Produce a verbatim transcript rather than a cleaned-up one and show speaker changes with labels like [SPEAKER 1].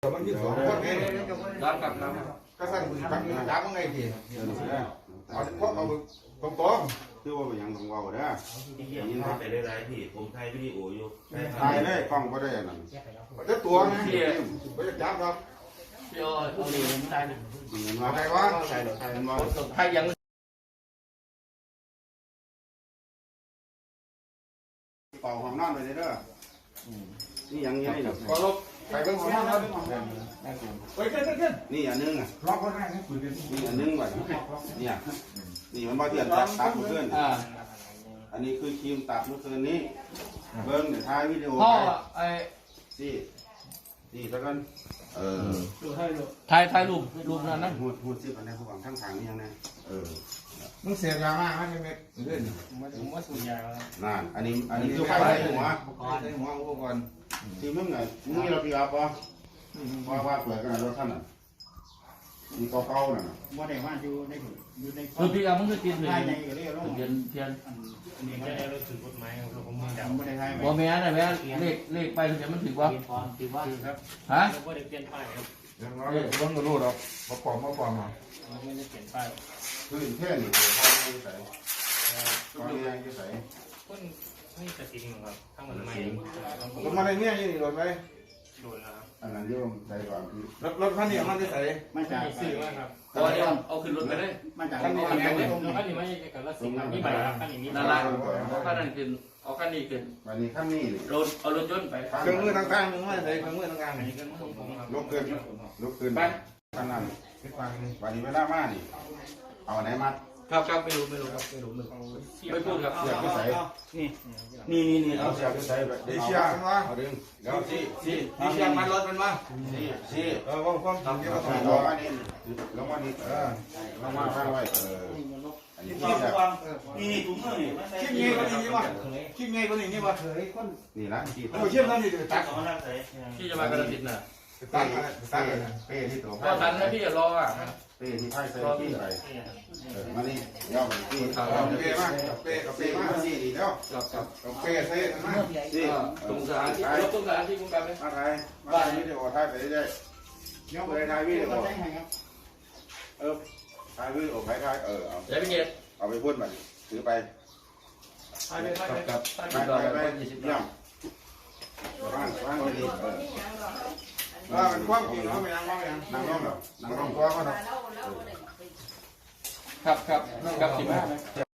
[SPEAKER 1] มันยืดสองคนไง
[SPEAKER 2] รับกับรับ
[SPEAKER 1] ก็สั่งทำจับมันไงทีเอาเพราะเอาตรงตรง
[SPEAKER 3] คือว่าเป็นยังของเราเด้อ
[SPEAKER 4] ยินดีไปได้ไรพี่ผมถ่ายวิดีโออยู่
[SPEAKER 3] ถ่ายเลยกล้องก็ได้นั่น
[SPEAKER 1] จะตัวนะไม่จะจับครับ
[SPEAKER 2] พี่อ้อยผู้นี้ไม่ได้หนึ่ง
[SPEAKER 3] เห็นว่า
[SPEAKER 1] ใครวะ
[SPEAKER 3] ใครหรอใครมันว่า
[SPEAKER 2] ใครยัง
[SPEAKER 3] เป่าห้องนอนไปเด้อนี่ยังยังนี่
[SPEAKER 1] พอลบใครเป็นของเราเฮ้ยขึ้นขึ้น
[SPEAKER 3] นี่อันนึงอ่ะ
[SPEAKER 1] ล็อกคนแรกนี่คุยกัน
[SPEAKER 3] นี่อันนึงไว้เนี่ยนี่มันมาเตียนตัดตัดเมื่อคืนอันนี้คือครีมตัดเมื่อคืนนี้เบิ้งเดี๋ยวถ่ายวิดีโอ
[SPEAKER 2] พ่อไอ้
[SPEAKER 3] สี่สี่แล้วกันเออ
[SPEAKER 2] ถ่ายถ่ายรูปรูปนั้นนะ
[SPEAKER 3] หูดหูดซิบอันนี้ผู้ฟังทั้งทางนี่ยังไงเออ
[SPEAKER 1] มึงเสียยามากไหมเม็ดเรื่อย
[SPEAKER 2] ผมว่าสูญยาแล้ว
[SPEAKER 3] นั่นอันนี้อันนี้คือไฟใส่หัว
[SPEAKER 1] ใส่หัวอุปกรณ์
[SPEAKER 3] ที่มึงไงมึงมีเราปีอัพป่ะว่าว่าเปิดกันรถท่านอ่ะมีเก่าๆน่ะ
[SPEAKER 5] บ่ได้ว่าอยู่ในอยู่ใน
[SPEAKER 2] คือพี่อามึงก็กินเลย
[SPEAKER 5] ภายในก็เรียกว่า
[SPEAKER 2] เทียนเทียน
[SPEAKER 5] อันนี้ไม่ได้รู้สึกกฎหมายของผมมันบ่ได้ทาย
[SPEAKER 2] บ่แม่นแม่เลขเลขไปเดี๋ยวมันถือว่า
[SPEAKER 5] ถือว่าครับ
[SPEAKER 2] ฮะ
[SPEAKER 5] บ่ได้เปลี่ยนป้ายครับ
[SPEAKER 1] ยังน้อยต้องกระโดดหรอกมาปอมมาปอมมา
[SPEAKER 5] ไม่ได้เปลี่ยนป้าย
[SPEAKER 3] คือแค่นี้ตัวพ่อไม่ใส่ตอนนี้ยังจะใส่
[SPEAKER 5] คนนี่สติงครับทั้งหมดไม่
[SPEAKER 1] รถมาในเนี่ยยี่รถไหม
[SPEAKER 5] โดนแล้ว
[SPEAKER 3] อันนั้นโยมใส่ก่อนคือ
[SPEAKER 1] รถรถคันนี้มันจะใส่
[SPEAKER 5] มาจากซื้อว่าครับ
[SPEAKER 2] ก็เดี๋ยวเอาขึ้นรถไปเลย
[SPEAKER 5] มาจากขั้นนี้ขั้นนี้ไม่กับละสิบนี่ไปขั้นนี้นี่
[SPEAKER 2] นั่นละเอาขั้นนั้นขึ้นเอาขั้นนี้ขึ้น
[SPEAKER 3] วันนี้ขั้นนี้นี่
[SPEAKER 2] รถเอารถยนต์ไป
[SPEAKER 1] เครื่องมือต่างๆมึงไม่ใส่เครื่องมือต่าง
[SPEAKER 5] อันนี้ก็ของผมครับ
[SPEAKER 3] ลุกขึ้นลุกขึ้น
[SPEAKER 2] ไป
[SPEAKER 3] ขั้นนั้น
[SPEAKER 1] ๆไปฟังนี่
[SPEAKER 3] วันนี้เวลามานี่เอาไหนมัด
[SPEAKER 2] ครับครับไม่รู้ไม่รู้ครับไม่รู้ไม่ไม่พูดครับ
[SPEAKER 3] เสียบที่ใส่
[SPEAKER 5] นี่
[SPEAKER 2] นี่นี่นี่
[SPEAKER 3] เอาเสียบที่ใส่แบบ
[SPEAKER 1] เดี๋ยวเชียร์มันวะ
[SPEAKER 3] เอาดึงเดี๋ยวสี่สี่
[SPEAKER 1] เดี๋ยวเชียร์มันรถมันวะ
[SPEAKER 3] สี่สี่
[SPEAKER 1] เออว่าความจริงเกี่ยวกับ
[SPEAKER 3] ล
[SPEAKER 1] ตัว
[SPEAKER 3] งมานี่ลงมานี่เออลงมาข้างไว้เอออันนี้
[SPEAKER 4] วาง
[SPEAKER 3] ที่
[SPEAKER 4] วางนี่นี่ถุงมือนี่
[SPEAKER 1] คิดไงก็นี่นี่วะคิดไงก็นี่นี่วะ
[SPEAKER 3] นี่ละที่
[SPEAKER 1] โอ้เชื่อมกันนี่ตัด
[SPEAKER 4] เอาหน้าใส่
[SPEAKER 2] พี่จะมากระติดน่ะ
[SPEAKER 1] ตัดตัด
[SPEAKER 3] เป้ที่ตัว
[SPEAKER 2] พอทันนะพี่อย่ารออ่ะ
[SPEAKER 3] เป้ที่ไพ่ใส่ที่ไปเออมานี่ย่อไปที่
[SPEAKER 1] เอาเปย์มากเปย์กับเป
[SPEAKER 3] เป้
[SPEAKER 1] ย์
[SPEAKER 3] มา
[SPEAKER 1] มา
[SPEAKER 3] สี่ดีแล้ว
[SPEAKER 2] ครับครับ
[SPEAKER 1] กับเปย์ใส่กันนะ
[SPEAKER 3] สี่
[SPEAKER 2] ตรงสถานที่รถตรงสถานที่คุณกันไหม
[SPEAKER 3] มาไทยมาไทยวิดีโอถ่ายไปเรื่อยๆย่อไปถ่ายวิดีโอเออถ่ายวิดีโอไปถ่ายเออเอา
[SPEAKER 2] เดี๋ยวพี่เกียรติ
[SPEAKER 3] เอาไปพูดมาถือไป
[SPEAKER 2] ไปไปไปครับไป
[SPEAKER 3] ไป
[SPEAKER 2] ต่อ
[SPEAKER 3] ไป
[SPEAKER 2] ไป
[SPEAKER 3] ไป
[SPEAKER 2] ยี่สิบ
[SPEAKER 3] ย่ำว่างว่างไปดีเออ
[SPEAKER 1] ว่ามันความจริงเขาไม่ยังว่าไม่ยัง
[SPEAKER 3] นั่งร่องแบบนั่งร่อง
[SPEAKER 1] ตัวเขา
[SPEAKER 2] ครับครับครับสิบห้า